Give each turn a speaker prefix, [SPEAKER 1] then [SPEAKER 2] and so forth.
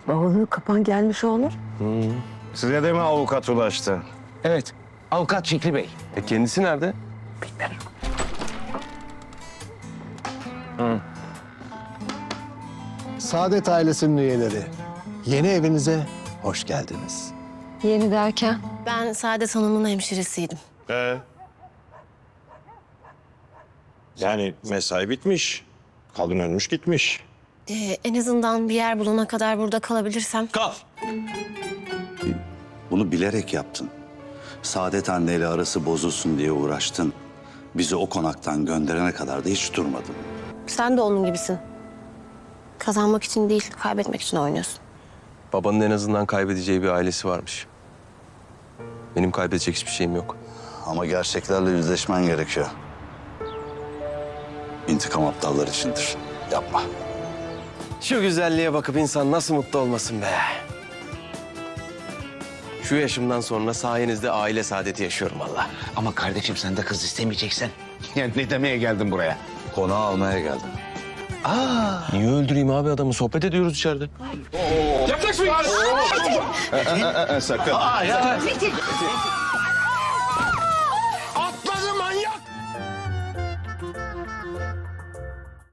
[SPEAKER 1] Bavulu kapan gelmiş olur.
[SPEAKER 2] Size de mi avukat ulaştı?
[SPEAKER 3] Evet, avukat Şükrü Bey.
[SPEAKER 4] Kendisi nerede?
[SPEAKER 5] Saadet ailesinin üyeleri, yeni evinize hoş geldiniz.
[SPEAKER 1] Yeni derken?
[SPEAKER 6] Ben Saadet Hanım'ın hemşiresiydim.
[SPEAKER 2] Yani mesai bitmiş. Kadın ölmüş gitmiş.
[SPEAKER 6] En azından bir yer bulana kadar burada kalabilirsem.
[SPEAKER 7] Bunu bilerek yaptın. Saadet anneyle arası bozulsun diye uğraştın. Bizi o konaktan gönderene kadar da hiç durmadın.
[SPEAKER 6] Sen de onun gibisin. Kazanmak için değil, kaybetmek için oynuyorsun.
[SPEAKER 4] Babanın en azından kaybedeceği bir ailesi varmış. Benim kaybedecek hiçbir şeyim yok.
[SPEAKER 7] Ama gerçeklerle yüzleşmen gerekiyor. İntikam aptallar içindir. Yapma.
[SPEAKER 4] Şu güzelliğe bakıp insan nasıl mutlu olmasın be. Şu yaşımdan sonra sayenizde aile saadeti yaşıyorum vallahi.
[SPEAKER 3] Ama kardeşim sen de kız istemeyeceksen. Yani ne demeye geldin buraya?
[SPEAKER 7] Konağı almaya geldim.
[SPEAKER 4] Niye öldüreyim abi adamı? Sohbet ediyoruz içeride.
[SPEAKER 3] Sakın.